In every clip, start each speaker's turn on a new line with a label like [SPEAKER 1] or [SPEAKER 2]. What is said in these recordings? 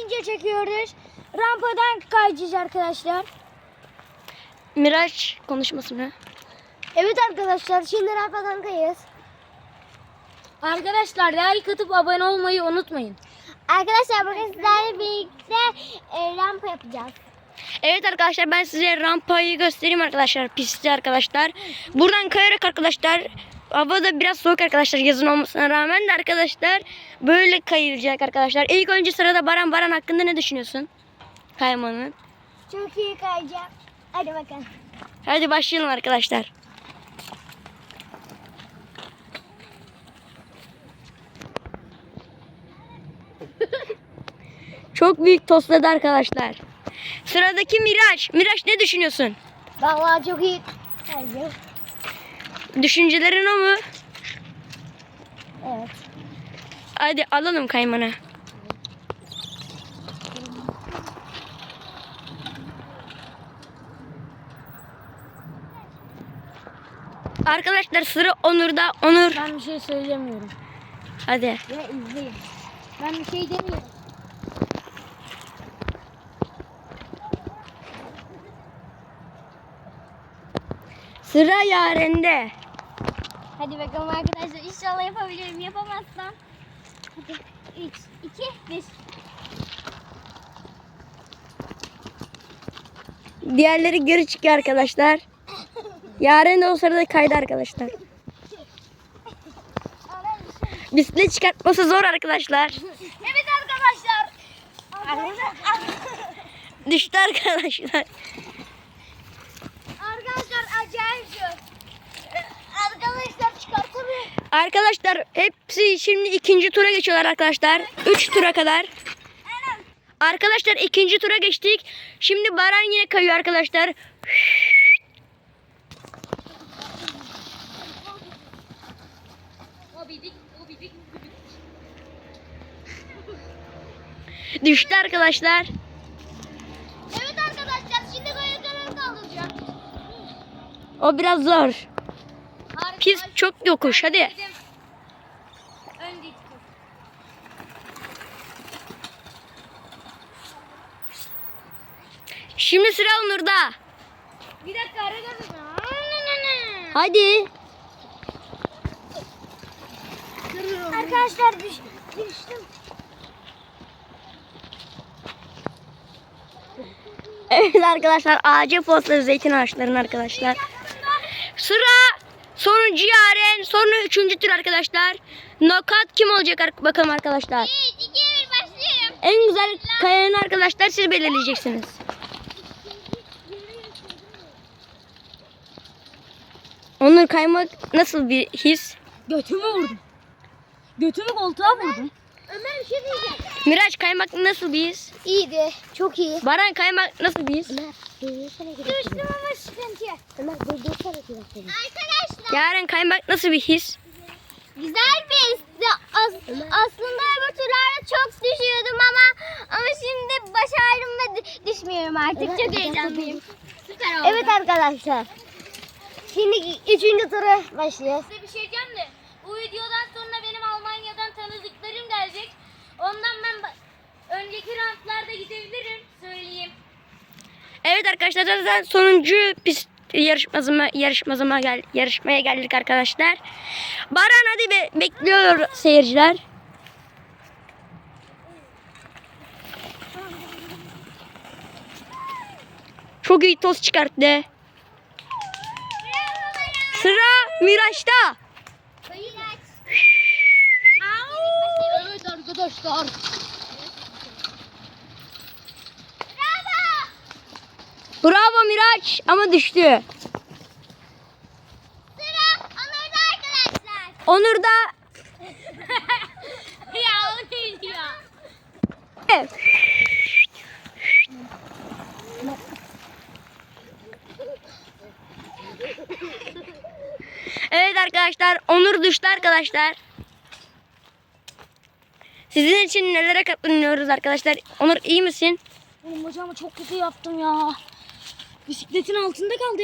[SPEAKER 1] kayınca çekiyoruz. Rampadan kayacağız arkadaşlar.
[SPEAKER 2] Miraç konuşmasını.
[SPEAKER 1] Evet arkadaşlar, şimdi rampadan kayıyoruz.
[SPEAKER 2] Arkadaşlar like atıp abone olmayı unutmayın.
[SPEAKER 1] Arkadaşlar bugün sizlerle birlikte rampa yapacağız.
[SPEAKER 2] Evet arkadaşlar, ben size rampayı göstereyim arkadaşlar. Pisti arkadaşlar. Buradan kayarak arkadaşlar. Hava da biraz soğuk arkadaşlar, yazın olmasına rağmen de arkadaşlar böyle kayılacak arkadaşlar. İlk önce sırada Baran. Baran hakkında ne düşünüyorsun? Kaymanın.
[SPEAKER 1] Çok iyi kayacağım. Hadi bakalım.
[SPEAKER 2] Hadi başlayalım arkadaşlar. Çok büyük tosladı arkadaşlar. Sıradaki Miraç. Miraç, ne düşünüyorsun?
[SPEAKER 1] Vallahi çok iyi kayacağım.
[SPEAKER 2] Düşüncelerin o mu?
[SPEAKER 1] Evet.
[SPEAKER 2] Hadi alalım kaymanı. Arkadaşlar sıra Onur'da. Onur.
[SPEAKER 1] Ben bir şey söylemiyorum.
[SPEAKER 2] Hadi.
[SPEAKER 1] Ya izleyin. Ben bir şey demiyorum.
[SPEAKER 2] Sıra Yaren'de.
[SPEAKER 1] Hadi bakalım arkadaşlar. İnşallah yapabilirim. Yapamazsam. Hadi. 3, 2, 1.
[SPEAKER 2] Diğerleri geri çıkıyor arkadaşlar. Yaren de o sırada kaydı arkadaşlar. Bisiklet çıkartması zor arkadaşlar.
[SPEAKER 1] Evet arkadaşlar.
[SPEAKER 2] Düştü arkadaşlar.
[SPEAKER 1] Arkadaşlar acayip zor. Arkadaşlar çıkartamıyorum.
[SPEAKER 2] Arkadaşlar hepsi şimdi ikinci tura geçiyorlar arkadaşlar. 3 tura kadar. Arkadaşlar ikinci tura geçtik. Şimdi Baran yine kayıyor arkadaşlar. Düştü arkadaşlar.
[SPEAKER 1] Evet arkadaşlar, şimdi kayıklarını kaldıracağım.
[SPEAKER 2] O biraz zor. Pist çok yokuş, hadi. Şimdi sıra Onur'da.
[SPEAKER 1] Bir dakika, arkadaşlar.
[SPEAKER 2] Hadi.
[SPEAKER 1] Arkadaşlar düştüm.
[SPEAKER 2] Evet arkadaşlar, ağaca postları zeytin ağaçlarının arkadaşlar. Sıra sonuncu Yaren, sonra üçüncü tur arkadaşlar. Knockout kim olacak bakalım arkadaşlar.
[SPEAKER 1] 3, 2, 1 başlıyorum.
[SPEAKER 2] En güzel kayanı arkadaşlar siz belirleyeceksiniz. Onur, kaymak nasıl bir his?
[SPEAKER 1] Götümü vurdum. Götümü koltuğa vurdum. Ömer bir şey diyeceğim.
[SPEAKER 2] Miraç, kaymak nasıl bir his?
[SPEAKER 1] İyiydi. Çok iyi.
[SPEAKER 2] Baran, kaymak nasıl bir his?
[SPEAKER 1] Düştüm ama sıkıntı yok. Arkadaşlar.
[SPEAKER 2] Yaren, kaymak nasıl bir his?
[SPEAKER 1] Güzel bir histi. Aslında öbür turlarda çok düşüyordum ama şimdi başardım ve düşmüyorum artık. Çok heyecanlıyım. Süper oldu. Evet arkadaşlar. Şimdi 3. tura başlıyoruz.
[SPEAKER 3] Size bir şey diyeceğim de bu videodan sonra benim Almanya'dan tanıdıklarım gelecek. Ondan ben önceki rantlarda gidebilirim, söyleyeyim.
[SPEAKER 2] Evet arkadaşlar, zaten sonuncu pist yarışmaya geldik arkadaşlar. Baran, hadi bekliyor seyirciler. Çok iyi toz çıkarttı. Sıra Miraç'ta.
[SPEAKER 1] Evet arkadaşlar.
[SPEAKER 2] Bravo Miraç, ama düştü.
[SPEAKER 1] Sıra Onur'da arkadaşlar.
[SPEAKER 2] Onur da
[SPEAKER 3] Ya o neydi ya?
[SPEAKER 2] Evet arkadaşlar, Onur düştü arkadaşlar. Sizin için nelere katlanıyoruz arkadaşlar. Onur, iyi misin?
[SPEAKER 1] Oğlum bacağımı çok kötü yaptım ya. Bisikletin altında kaldı.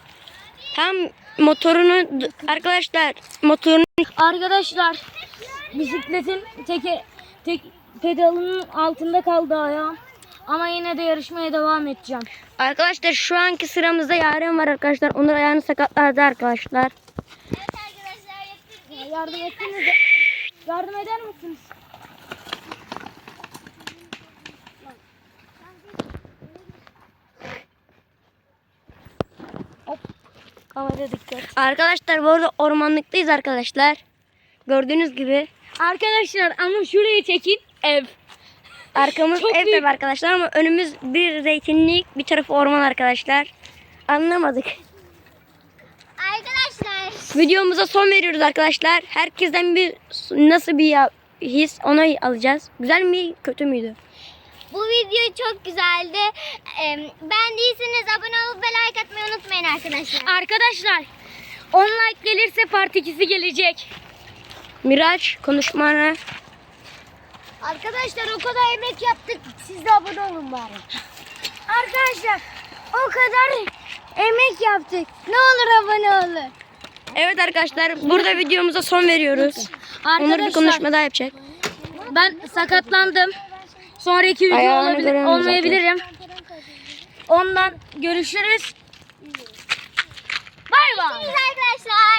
[SPEAKER 2] Tam motorunu arkadaşlar, motorunu
[SPEAKER 1] Arkadaşlar
[SPEAKER 3] bisikletin tek pedalının altında kaldı ayağım. Ama yine de yarışmaya devam edeceğim.
[SPEAKER 2] Arkadaşlar şu anki sıramızda Yaren var arkadaşlar. Onur ayağını sakatladı arkadaşlar.
[SPEAKER 1] Evet arkadaşlar yaptık.
[SPEAKER 3] Yardım etsiniz. Yardım eder misiniz? Hop. Kamera dikkat.
[SPEAKER 2] Arkadaşlar bu arada ormanlıktayız arkadaşlar. Gördüğünüz gibi.
[SPEAKER 3] Arkadaşlar ama şurayı çekin. Ev.
[SPEAKER 2] Arkamız
[SPEAKER 3] Çok
[SPEAKER 2] ev
[SPEAKER 3] büyük.
[SPEAKER 2] tabi arkadaşlar ama önümüz bir zeytinlik, bir tarafı orman arkadaşlar. Anlamadık.
[SPEAKER 1] Arkadaşlar
[SPEAKER 2] Videomuza son veriyoruz arkadaşlar. Herkesten bir nasıl bir his onu alacağız. Güzel mi kötü müydü?
[SPEAKER 1] bu video çok güzeldi. Beğendiyseniz abone olup ve like atmayı unutmayın arkadaşlar.
[SPEAKER 3] Arkadaşlar 10 like gelirse part 2'si gelecek.
[SPEAKER 2] Miraç konuşmana.
[SPEAKER 1] Arkadaşlar o kadar emek yaptık. Siz de abone olun bari. Arkadaşlar o kadar emek yaptık. Ne olur abone olun.
[SPEAKER 2] Evet arkadaşlar burada videomuza son veriyoruz. Onur bir
[SPEAKER 3] Arkadaşlar
[SPEAKER 2] konuşma daha yapacak.
[SPEAKER 3] ben sakatlandım. Sonraki video
[SPEAKER 2] Ayağını
[SPEAKER 3] olabilir,
[SPEAKER 2] göremiyoruz
[SPEAKER 3] olmayabilirim. Ondan görüşürüz. Bay bay.
[SPEAKER 1] Arkadaşlar.